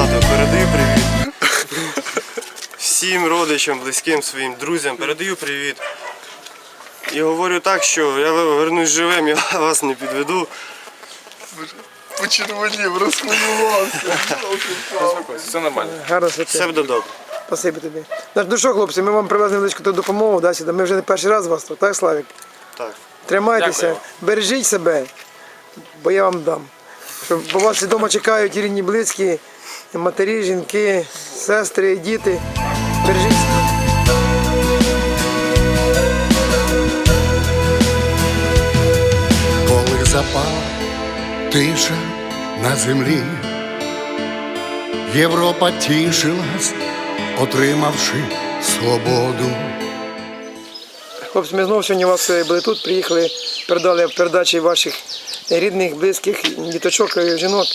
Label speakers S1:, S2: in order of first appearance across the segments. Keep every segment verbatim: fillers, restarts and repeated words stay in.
S1: тато, передаю привіт. Всім родичам, близьким своїм друзям передаю привіт. І говорю так, що я вернусь живим, я вас не підведу.
S2: Почервонів, розхвилювався.
S3: Все нормально.
S4: Гарно
S1: Все
S4: святе.
S1: буде добре.
S4: Спасибі тобі. Ну що, хлопці, ми вам привезли невеличку допомогу, да, сюди. Ми вже не перший раз вас тут, так, Славік?
S1: Так.
S4: Тримайтеся,
S3: Дякую.
S4: бережіть себе, бо я вам дам. Щоб бо вас вдома чекають і рідні, близькі, і матері, жінки, сестри, діти. Бережіть себе.
S2: Коли запала тиша на землі, Європа тішилась, отримавши свободу.
S4: Хлопці, ми знову сьогодні у вас були тут, приїхали, передали передачі ваших рідних, близьких, діточок, жінок.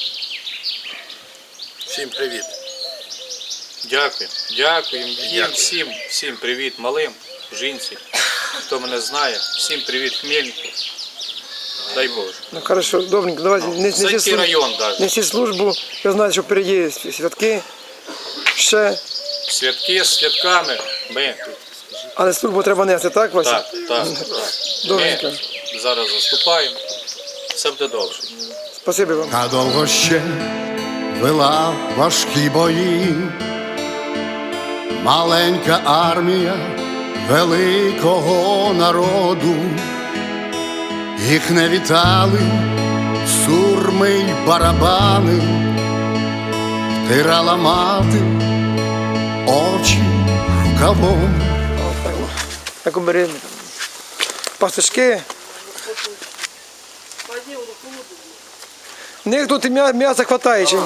S3: Всім привіт. Дякую. Дякую їм всім, всім привіт малим, жінці, хто мене знає. Всім привіт Хмельнику. Дай Боже.
S4: Ну, хорошо, добренько, давайте не,
S3: Зайти район навіть.
S4: несіть службу, ви знаєте, що впереді святки, ще,
S3: Святки з святками. Ми тут.
S4: але службу треба нести, так, Вася?
S3: Так, так, так.
S4: Добренько.
S3: Ми зараз заступаємо. Все буде добре.
S4: Спасибі вам.
S2: Надовго ще вела важкі бої, маленька армія великого народу. Їх не вітали сурми й барабани, втирала мати очі рукавом.
S4: Так обережно. Пастушки. В них тут і м'я- м'яса хватає чим.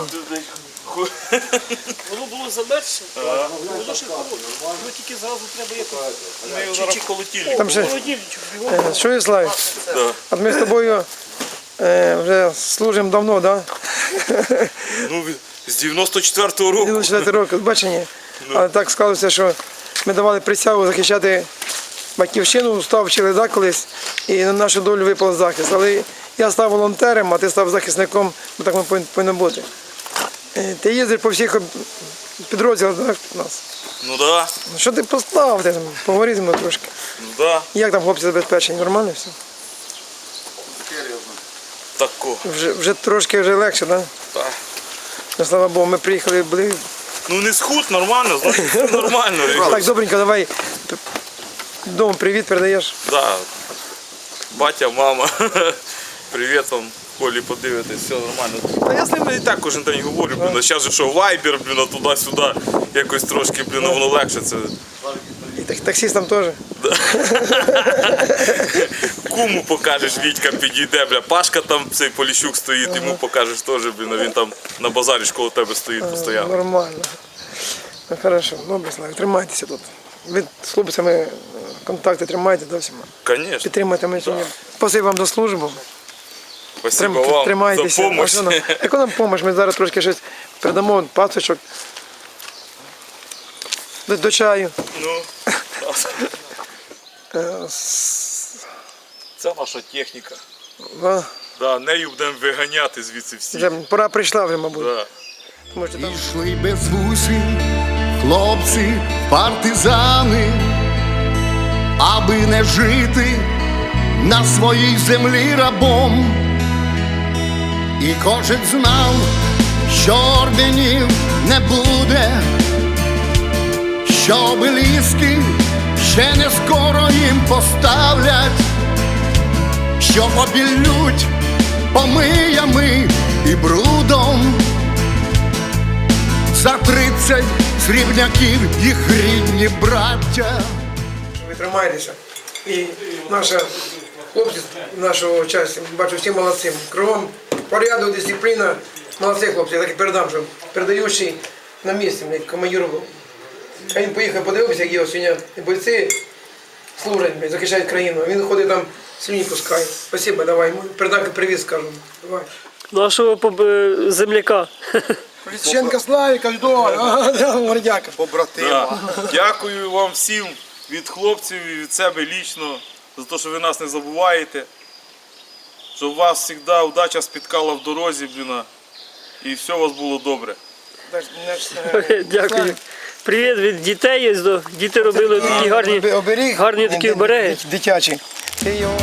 S5: Воно було замерзше, воно ще холодно. Воно тільки зразу треба якось. Ми його зараз колотілі.
S4: Там ще,
S5: Холодильничок, бігом.
S4: е, що є, Славі? От ми з тобою е, вже служимо давно, так? Да?
S6: Ну, з дев'яносто четвертого року.
S4: дев'яносто четвертий рок, бачення. Але так склалося, що ми давали присягу захищати батьківщину, став вчили да, колись, і на нашу долю випав захист. Але я став волонтером, а ти став захисником, бо так ми повинні- повинно бути. Е, Ти їздиш по всіх об- підрозділах да, у нас.
S6: Ну да,
S4: Ну, що ти поставив? Ти там, поговори зі мною трошки.
S6: ну да,
S4: Як там хлопці забезпечені? Нормально все?
S6: тако.
S4: Вже, вже трошки вже легше, так?
S6: Так.
S4: Ну, слава Богу, ми приїхали, були.
S6: Ну не схуд, нормально, знаєш, все нормально.
S4: Так, добренько, давай. п- Дому привіт передаєш.
S6: Да. Батя, мама, привіт вам, Колі подивитесь, все нормально. Та я з ними і так кожен день говорю, блін, а зараз же що вайбер, блін, а туди-сюди, якось трошки, блін, воно легше це.
S4: І так- таксістам теж.
S6: Куму покажеш, Вітька підійде, бля, Пашка там, цей Поліщук стоїть, йому покажеш теж, блін, а він там на базарі ж коло тебе стоїть постійно.
S4: Нормально. Ну, хорошо, добре, Славі, тримайтеся тут. Ви з хлопцями е, контакти тримайте до всіма.
S6: Конечно.
S4: Підтримайте мене сьогодні. Спасибо вам за службу.
S6: Спасибо
S4: Трим-
S6: вам
S4: Тримайтеся.
S6: за допомогу.
S4: А що нам- Яку нам допомогу? Ми зараз трошки щось передамо, пасочок. До, до чаю.
S6: Ну,
S4: Е, с-
S6: це наша техніка.
S4: а,
S6: Да, нею будемо виганяти звідси всі.
S4: Вже пора прийшла вже, мабуть.
S6: Да.
S4: Тому що там...
S2: Пішли без вусів хлопці, партизани, аби не жити на своїй землі рабом. І кожен знав, що орденів не буде, що обеліски ще не скоро їм поставлять, що обіллють помиями і брудом. За тридцять срібняків їх рідні браття.
S4: Ви тримаєтеся. І наша хлопці нашого часу, бачу, всі молодці. Кругом порядок, дисципліна. Молодці хлопці, я так і передам, що передаючий на місці, блядь, командир був. А він поїхав, подивився, як його сьогодні бойці служать, блядь, захищають країну. А він ходить там, слюні пускає. Спасибо, давай, йому передам привіт, скажу. Давай.
S5: Нашого поб- е, земляка.
S4: Ліщенка Славіка, мордяка.
S6: Да. Дякую вам всім від хлопців і від себе лічно за те, що ви нас не забуваєте. Щоб вас завжди удача спіткала в дорозі, блін, і все у вас було добре.
S4: наш, наш,
S5: Дякую. Привіт від дітей. Ось до- Діти робили такі гарні,
S4: оберіг,
S5: гарні такі
S4: ди-
S5: обереги.
S4: ди- дитячі. Ти його.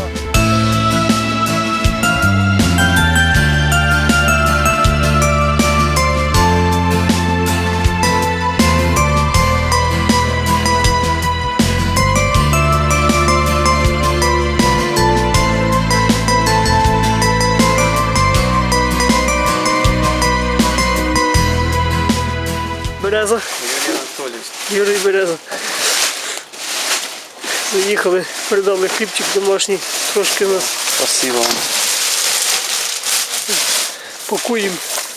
S5: Береза. Юрій Береза. Заїхали, передали хлібчик домашній, трошки нас
S1: Спасибо вам.
S5: пакуємо.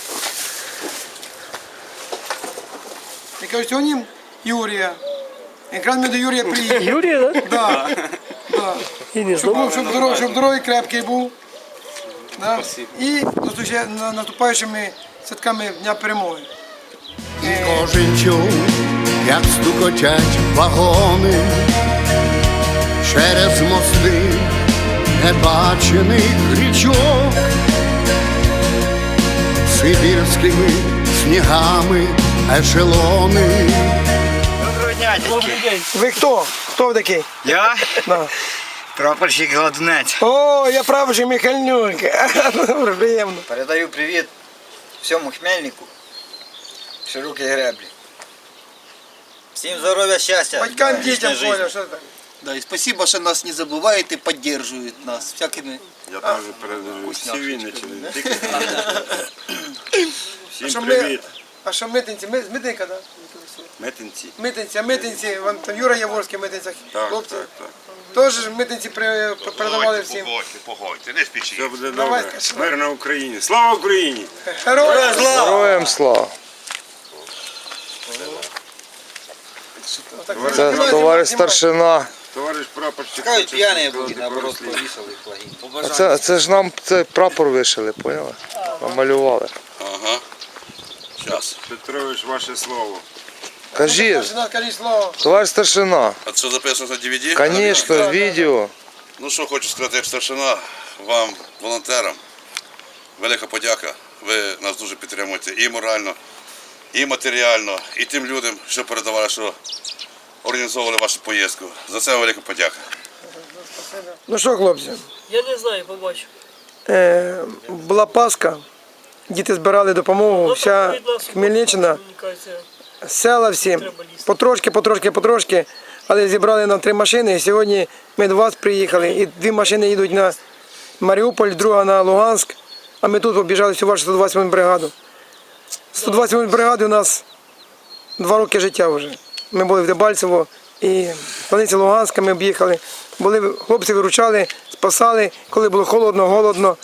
S4: Я кажу, сьогодні Юрія. Якраз ми до Юрія приїхали.
S5: Юрій, так?
S4: Да, да.
S5: І не
S4: Щоб,
S5: знову.
S4: був, щоб, здоровий, щоб здоровий, крепкий був. Да? І зустріча- на- наступаючими святками Дня Перемоги.
S2: І кожен чув, як стукотять вагони через мости небачених річок, сибірськими снігами ешелони.
S7: Доброго дня, дядьки.
S4: Ви хто? Хто ви такий?
S7: Я
S4: Да.
S7: прапорщик Гладунець.
S4: О, я правий Михальнюк. Добре, приємно.
S7: Передаю привіт всьому Хмельнику, широкій греблі. Всім здоров'я, щастя.
S4: Батькам,
S7: вічної
S4: дітям,
S7: житті.
S4: Коля, що там?
S8: Да, и спасибо, что нас не забывает и поддерживает нас всякими.
S1: Я теж передаю всі Вінниччини.
S4: А що
S1: Всім
S4: ми-
S1: привіт.
S4: А що митинці? Ми, з митинка, так?
S1: Метинці.
S4: Митинці, а митинці, вон там Юра Яворський в митинцях,
S1: Так,
S4: хлопці.
S1: так, так.
S4: Теж ж митинці при- передавали всім.
S9: Погодьте, погодьте, не спішіть.
S1: Все буде
S4: Давай,
S1: добре.
S4: скажи.
S1: Мир на Україні. Слава Україні!
S4: Героям слава!
S10: Героям слава! Це товариш старшина.
S1: Товариш прапорщик.
S7: Кажуть, п'яні були, наоборот, повісили флаги.
S10: А це, це ж нам цей прапор вишили, поняли? Намалювали.
S9: Ага. Щас.
S1: Петрович, ваше слово.
S10: Кажіть,
S4: Старшина, скажіть слово.
S10: товариш старшина.
S9: А це записано на ді ві ді?
S10: Звісно, відео.
S9: Ну що хочу сказати, як старшина, вам, волонтерам, велика подяка. Ви нас дуже підтримуєте і морально, і матеріально, і тим людям, що передавали, що організовували вашу поїздку. За це велика подяка.
S4: Ну що, хлопці,
S5: Я не знаю, побачу.
S4: е, була Пасха, діти збирали допомогу, вся Хмельниччина, села всі, потрошки, потрошки, потрошки, але зібрали нам три машини. І сьогодні ми до вас приїхали, і дві машини їдуть на Маріуполь, друга на Луганськ, а ми тут побіжали всю вашу сто двадцять восьму бригаду. сто двадцять восьму бригади у нас два роки життя вже. Ми були в Дебальцево і в станиці Луганська ми об'їхали. Були, хлопці виручали, спасали, коли було холодно, голодно.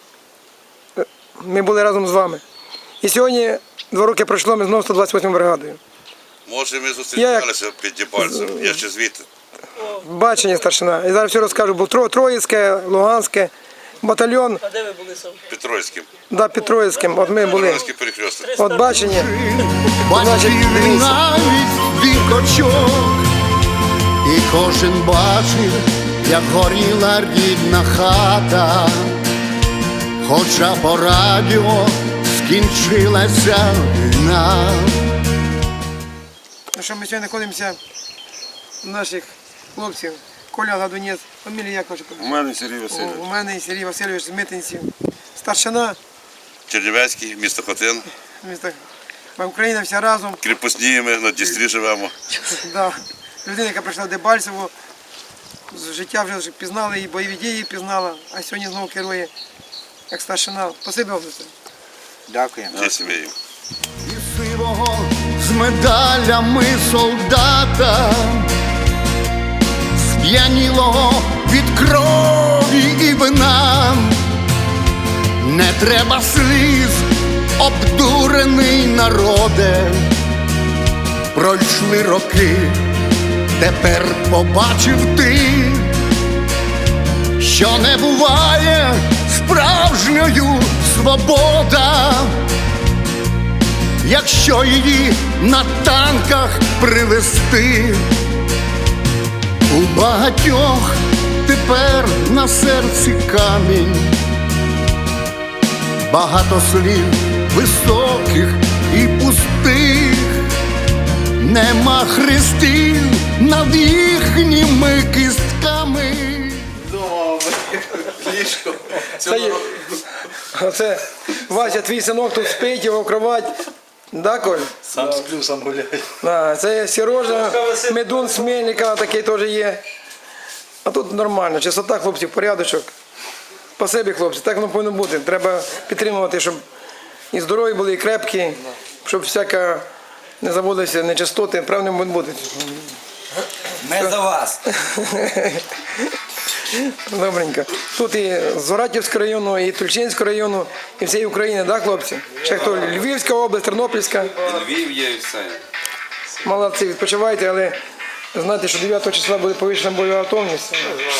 S4: Ми були разом з вами. І сьогодні два роки пройшло, ми знову сто двадцять восьму бригадою.
S9: Може, ми зустрічалися під Дебальцем, я ще звідти.
S4: Бачення старшина. Я зараз все розкажу, бо Тро- Троїцьке, Луганське, батальйон,
S5: А де ви були сам?
S9: Петровським.
S4: да, під Троїцьким, от ми були.
S9: Петровський перехресток.
S4: От бачення.
S2: Бачив навіть вікочок, і кожен бачив, як горіла рідна хата, хоча по радіо скінчилася війна.
S4: Ну що, ми сьогодні знаходимося у наших хлопців. Коля Гадунець, фамілія як ваша?
S1: У мене Сергій
S4: У
S1: Васильович.
S4: у мене і Сергій Васильович з Митинців. Старшина,
S9: Чернівецький, місто Хотин.
S4: місто, Україна вся разом.
S9: Кріпосні ми на Дністрі живемо.
S4: Да. Людина, яка прийшла в Дебальцево, з життя вже пізнала і бойові дії пізнала, а сьогодні знову керує як старшина. Спасибі вам за це.
S7: Дякуємо.
S9: Зі сім'єю.
S2: І сивого з медалями солдата, сп'янілого від крові і вина. Не треба сліз, обдурений народе. Пройшли роки, тепер побачив ти, що не буває справжньою свобода, якщо її на танках привезти. У багатьох тепер на серці камінь, багато слів високих і пустих. нема хрестів над їхніми кістками.
S4: Це, є- Оце Вася, твій синок тут спить, його кровать. Да, Коль?
S3: Сам сплю, сам гуляю.
S4: Да, це Сережа, медун з Мельника такий теж є. А тут нормально, чистота, хлопці, порядочок. Спасибі, хлопці, так воно повинно бути. Треба підтримувати, щоб і здорові були, і крепкі, щоб всяка не заводилася нечистоти, правильно повинно бути.
S7: Ми за вас.
S4: Добренько. Тут і з Оратівського району, і Тульчинського району, і всієї України, так, хлопці? Ще хто? Львівська область, Тернопільська.
S9: Львів є і все.
S4: Молодці, відпочивайте, але знайте, що дев'ятого числа буде повищена бойова готовність.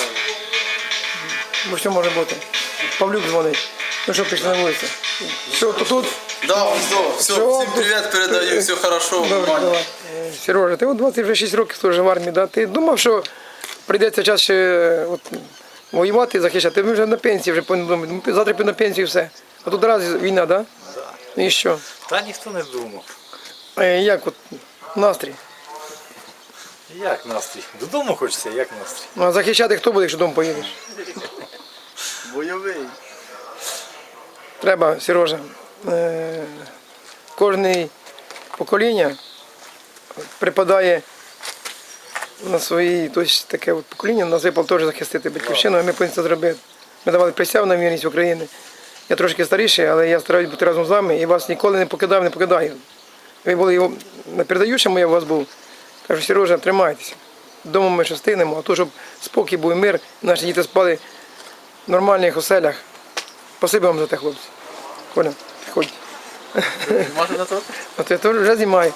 S4: Бо що може бути? Павлюк дзвонить. Ну що, пішли на вулицю? Все, то тут.
S8: Да, все, все,
S4: Все,
S8: всім привіт передаю, все хорошо.
S4: Добре, давай. Е, Сережа, ти от двадцять шість років теж в армії, да? Ти думав, що прийдеться час ще е, от, воювати і захищати? Ми вже на пенсії, вже повинні думати. Завтра піду на пенсію і все. А тут раз війна, так? Да? І що?
S3: Та ніхто не думав.
S4: Е, Як от настрій?
S3: Як настрій? Додому хочеться, як настрій?
S4: Ну, а захищати хто буде, якщо додому поїдеш?
S8: Бойовий.
S4: Треба, Сережа, е, кожне покоління припадає на свої, тобто таке от покоління нас випало теж захистити батьківщину, а ми повинні це зробити. Ми давали присягу на вірність України. Я трошки старіший, але я стараюсь бути разом з вами і вас ніколи не покидав, не покидаю. Ви були його на передаючому, я у вас був. Кажу, Сережа, тримайтеся. Дома ми ще встигнемо, а то, щоб спокій був і мир, наші діти спали в нормальних оселях. Спасибо вам за те, хлопці. Коля, ходь.
S8: Можна на то?
S4: А ти теж вже знімаю.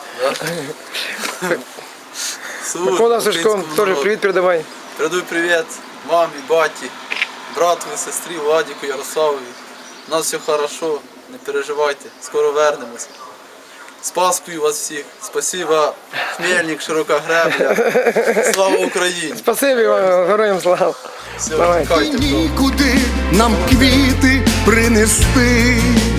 S4: Микола Сашко, теж привіт передавай.
S8: Передаю привіт мамі, баті, братові, сестрі, Владіку, Ярославові. У нас все хорошо, не переживайте, скоро вернемося. З Паскою вас всіх. Спасибо, Хмельник, Широка Гребля. Слава Україні!
S4: Спасибі вам, героям слава.
S8: Все,
S4: Давай.
S8: чекайте.
S2: Нікуди нам квіти принести.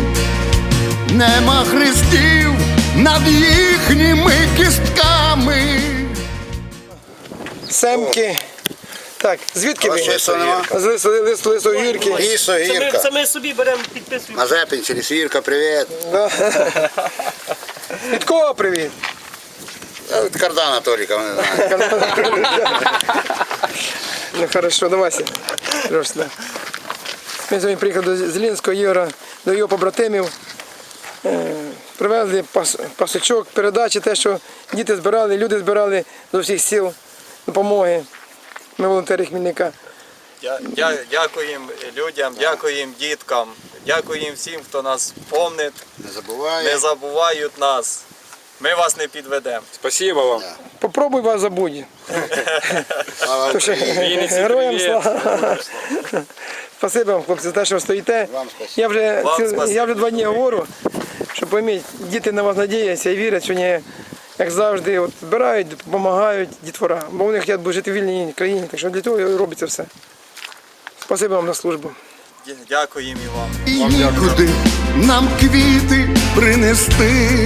S2: Нема хрестів над їхніми кістками.
S4: Семки. Так, звідки ви?
S10: Лисо нема?
S4: З лисо, лисо, лисо гірки.
S10: Лісо,
S5: Це ми,
S10: Гірка.
S5: це ми собі беремо, підписуємо.
S10: Мазепин, через Гірка, привіт.
S4: Да. Від кого привіт?
S10: Та Від Кардана Толіка, вони знають.
S4: Ну хорошо, давайся. Сереж, сюди. Ми сьогодні приїхали до Зеленського Ігора, до його побратимів. Е, Привезли пас, пасочок, передачі, те, що діти збирали, люди збирали з усіх сіл допомоги. Ми волонтери Хмільника.
S11: Дя- дя- Дякуємо людям, дякуємо діткам, дякуємо всім, хто нас помнить,
S10: Не
S11: не
S10: забуває.
S11: забувають нас. Ми вас не підведемо.
S3: Спасибо вам.
S4: Попробуй вас забудь.
S10: Слава
S4: То що,
S10: Україні.
S4: Героям слава. Спасибо вам, хлопці, за те, що ви стоїте.
S10: Вам спасибо.
S4: Я вже,
S11: Вам
S4: ціл-
S11: спасибо.
S4: я вже два дні говорю, що пойміть, діти на вас надіються і вірять, що не, як завжди, от, збирають, допомагають дітвора. Бо вони хочуть жити в вільній країні, так що для того і робиться все. Спасибо вам за службу.
S11: Дя- Дякуємо і вам.
S2: І нікуди нам квіти принести.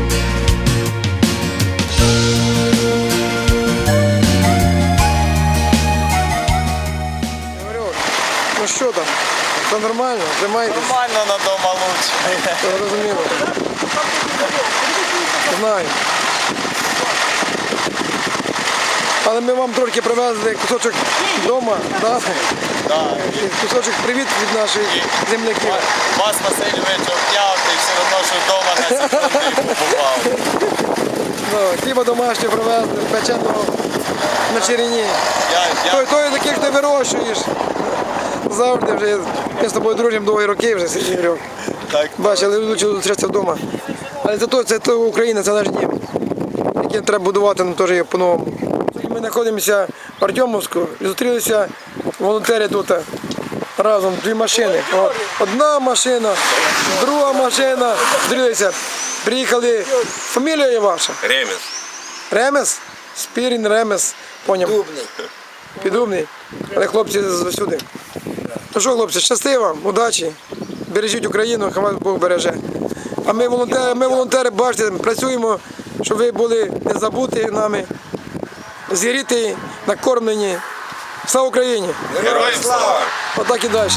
S4: Говорю, ну що там? Все нормально? Тримаєтесь?
S11: Нормально на дома лучше.
S4: Зрозуміло. Знаю. Але ми вам трошки привезли кусочок вдома, да? І кусочок привіт від наших земляків.
S11: Вас Васильович обняв, і все одно, що вдома на секунду побував.
S4: Ну, хліба домашнього привезли, печеного на черені.
S11: Я,
S4: Той,
S11: я,
S4: той таких ти вирощуєш. Завжди вже ми з тобою дружимо довгі роки вже, Ігорьок.
S11: так,
S4: Бачиш, але лучше зустрітися вдома. Але зато це то Україна, це наш дім, який треба будувати нам теж по-новому. Сьогодні ми знаходимося в Артемовську і зустрілися волонтери тут разом, дві машини. О, одна машина, друга машина, зустрілися. Приїхали, фамілія є ваша?
S9: Ремес.
S4: Ремес? Спірін, Ремес, поняв.
S7: Дубний.
S4: Підумний. Але хлопці засюди. Ну що, хлопці, щасти вам, удачі. Бережіть Україну, хай вас Бог береже. А ми волонтери, ми волонтери, бачите, працюємо щоб ви були не забуті нами, зігріті, накормлені. Слава Україні!
S9: Героям слава!
S4: Отак і далі.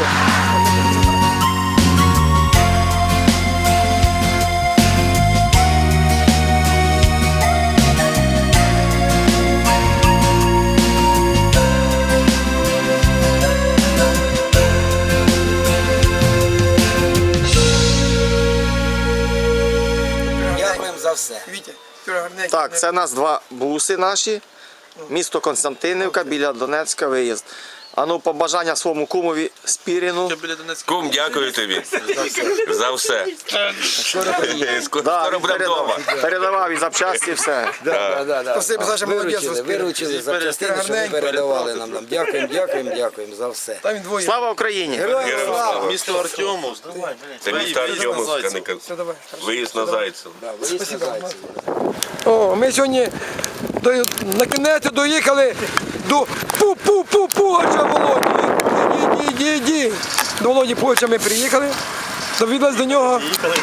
S7: Дякуємо за все.
S4: Вітя, ти гарненький.
S10: Так, це у нас два буси наші. Місто Константинівка, біля Донецька, виїзд. А ну, побажання своєму кумові Спіріну.
S12: Кум, дякую тобі за все. Скоро
S10: Да,
S12: скоро
S10: він
S12: будемо
S10: передав-
S12: вдома.
S10: Передавав і запчасті, все.
S7: Да, да, да.
S4: Спасибо, Саша, молодець.
S7: Виручили, виручили за частину, що ви передавали нам. нам. Дякуємо, дякуємо, дякуємо за все.
S4: Там він двоє.
S10: Слава Україні!
S7: Героям слава!
S6: Місто Артемовськ.
S12: Це місто Артемовська, не кон-
S4: Все, давай.
S12: виїзд на Зайцев.
S7: Да, виїзд на Зайцеві.
S4: О, ми сьогодні до, на кінець доїхали до пу-пу-пу Пугача Володі. Іди, іди, іди. До Володі Пугача ми приїхали. Довідались до нього.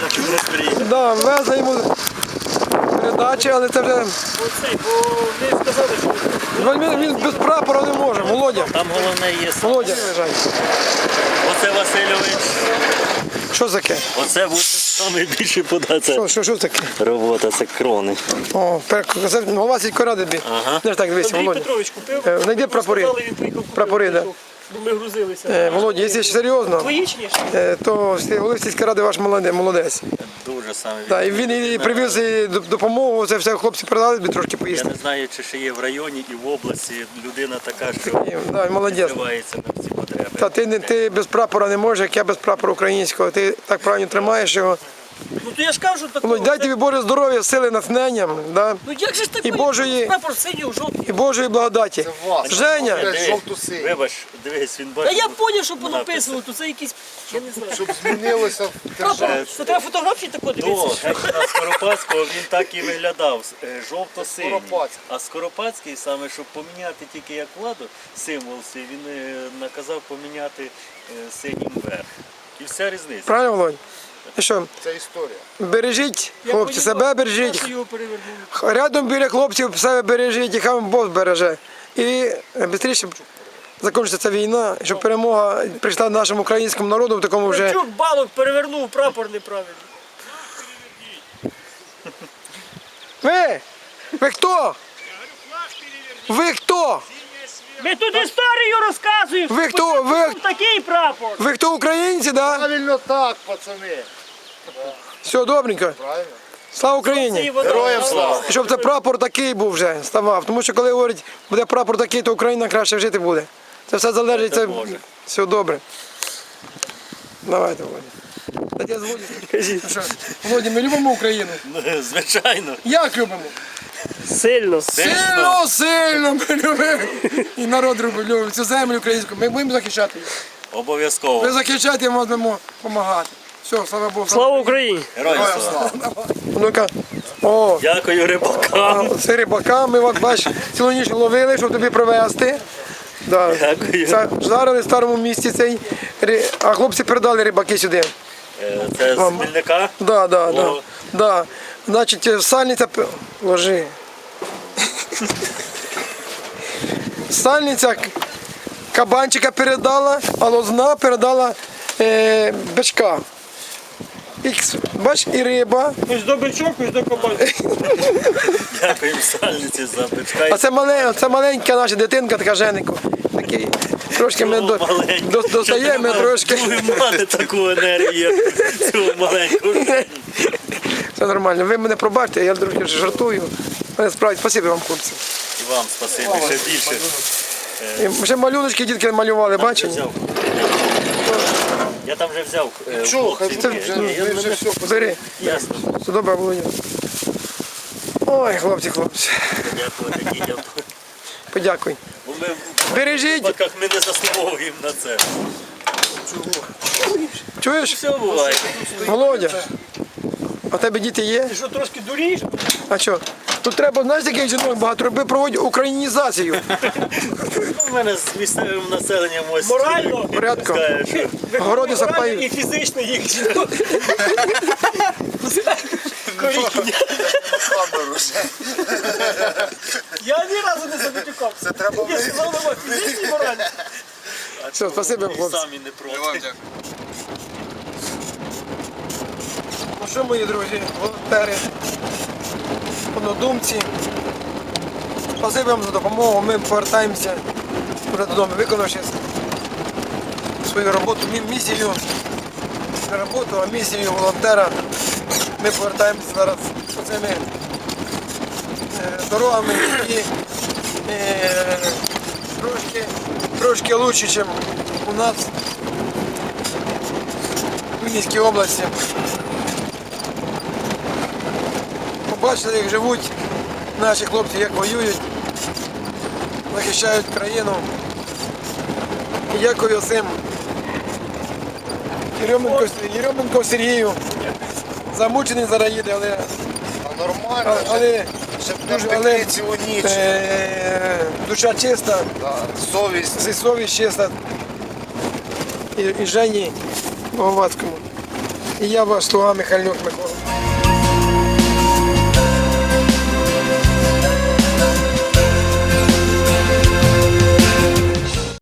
S4: Да, везли йому передачі, але це вже.
S5: Оцей, бо ви сказали, що
S4: Він, він без прапора не може. Володя.
S5: там головне є.
S4: Володя.
S5: Оце Васильович.
S4: Що таке?
S5: Оце буде найбільший подація.
S4: Що, що, що таке?
S5: Робота, це крони.
S4: О, пер- це голова сільської ради бі.
S5: Ага.
S4: Не ж так дивися,
S5: Андрій
S4: Володя.
S5: Петрович купив.
S4: Е, Знайди прапори.
S5: Сказали, він поїхав купив.
S4: Прапори, да.
S5: Бо ми грузилися.
S4: Е, Володя, якщо серйозно,
S5: Твої чи ні?
S4: е, то голова сільської ради ваш молоде- молодець.
S5: Дуже саме.
S4: Да, і він і привіз і д- допомогу, це все хлопці передали, тобі трошки
S5: Я
S4: поїсти.
S5: не знаю, чи ще є в районі і в області людина така, що
S4: І, да, і молодець.
S5: відкривається на всі потреби.
S4: Та ти, не- ти без прапора не можеш, як я без прапора українського. Ти так правильно тримаєш його.
S5: Ну то я ж кажу такого.
S4: Володь, дай тобі Боже здоров'я, сили, натхнення, да?
S5: Ну як же ж ти
S4: І Божої-
S5: прапор синій у жовтий?
S4: і Божої благодаті. Женя,
S5: Вибач, дивись, він
S13: Та
S5: бачить.
S13: я зрозумів, що понаписано, то це якісь, я не знаю.
S10: Щоб змінилося
S13: Прапор, це треба фотографії тако
S5: До
S13: дивитися.
S5: Гетьмана Скоропадського він так і виглядав, е, жовто-синій. А Скоропадський саме, щоб поміняти тільки як владу, символ свій, він е, наказав поміняти е, синім вверх. І вся різниця.
S4: правильно, Володь? І що,
S10: Це історія.
S4: бережіть, хлопці, себе бережіть.
S13: Його перевернули.
S4: Рядом біля хлопців себе бережіть, і хай вам Бог береже. І швидше закінчиться ця війна, щоб перемога прийшла нашому українському народу в такому вже.
S13: Чук балок перевернув, прапор неправильно.
S4: Ви! Ви хто? Ви хто?
S13: Ми тут історію розказуємо.
S4: Ви хто? Ви,
S13: Такий прапор.
S4: ви хто українці, да?
S10: Правильно так, пацани.
S4: Все добренько. Слава Україні!
S10: Героям слава.
S4: І щоб це прапор такий був вже, ставав. Тому що коли говорять, буде прапор такий, то Україна краще жити буде. Це все залежить, це все добре. Давайте, Володя. Та я з Володю. Ну що, Володя, ми любимо Україну?
S5: Ну, звичайно.
S4: Як любимо?
S13: Сильно.
S4: Сильно, сильно ми любимо. І народ любить, любить цю землю українську. Ми будемо захищати її.
S5: Обов'язково.
S4: Ми захищати і ми будемо допомагати. Все, слава Богу.
S13: Слава Україні!
S5: Героям слава.
S4: Ну-ка. О,
S5: Дякую рибакам.
S4: це рибака, ми от бач, цілу ніч ловили, щоб тобі привезти. Да.
S5: Дякую.
S4: Це жарили в старому місці цей, ри- а хлопці передали рибаки сюди.
S5: Е, Це з Хмельника.
S4: Да, да, да.
S5: О.
S4: Да. Значить, сальниця п- ложи. Сальниця к- кабанчика передала, а лозна передала е, бичка. І, бач, і риба.
S13: Ось до бичок, ось до кабанця.
S5: Дякуємо сальниці за бичка.
S4: А це, мале, це маленька наша дитинка, така Женику. Такий, трошки ми до, до, достаємо трошки.
S5: Будемо мати таку енергію, як цю маленьку.
S4: Все нормально. Ви мене пробачте, я трошки жартую. Але справді, спасибі вам, хлопці.
S5: І вам спасибі, ще більше.
S4: І ще малюночки дітки малювали, бачили?
S5: Взяв. Я там вже взяв. е,
S10: Чого?
S5: хлопці.
S10: Хай
S5: Ні,
S10: вже,
S5: ні, я
S10: ви вже
S5: мене-
S10: все
S4: Бери.
S5: Ясно.
S4: Все добре, Володя. Ой, хлопці, хлопці.
S5: Дякувати дітям.
S4: Подякуй.
S5: Бо ми в
S4: Бережіть.
S5: випадках ми не заслуговуємо на це.
S4: Чуєш?
S5: Все буває.
S4: Володя, а в тебе діти є?
S13: Ти що, трошки дурієш?
S4: А що? Тут треба, знаєш, яких жінок багато роби, проводять українізацію.
S5: У мене з місцевим населенням ось.
S13: Морально?
S4: Порядком.
S5: Скаже, що
S4: Городи
S13: Морально
S4: запають.
S13: і фізично їх.
S14: камеру вже.
S13: Я ні разу не замітюкав. Це треба я сказав, нема фізичні моральні.
S4: Все, спасибо,
S5: І
S4: хлопці.
S5: самі не проти.
S4: Ну що, мої друзі, волонтери, однодумці, спасибо вам за допомогу. Ми повертаємося вже додому, виконавши свою роботу, мі- місію, не роботу, а місію волонтера. Ми повертаємося зараз цими е, дорогами, які е, трошки, трошки краще, ніж у нас в Вінницькій області. Побачили, як живуть наші хлопці, як воюють, захищають країну. І дякую всім Єрьоменко, Єрьоменко Сергію. Замучений зараз їде, але,
S14: Нормально,
S4: але, дуже, але
S14: цілу ніч.
S4: е, душа чиста,
S14: Совість.
S4: совість чиста. І, і Жені Головацькому. І я ваш слуга Михайлюк Микола.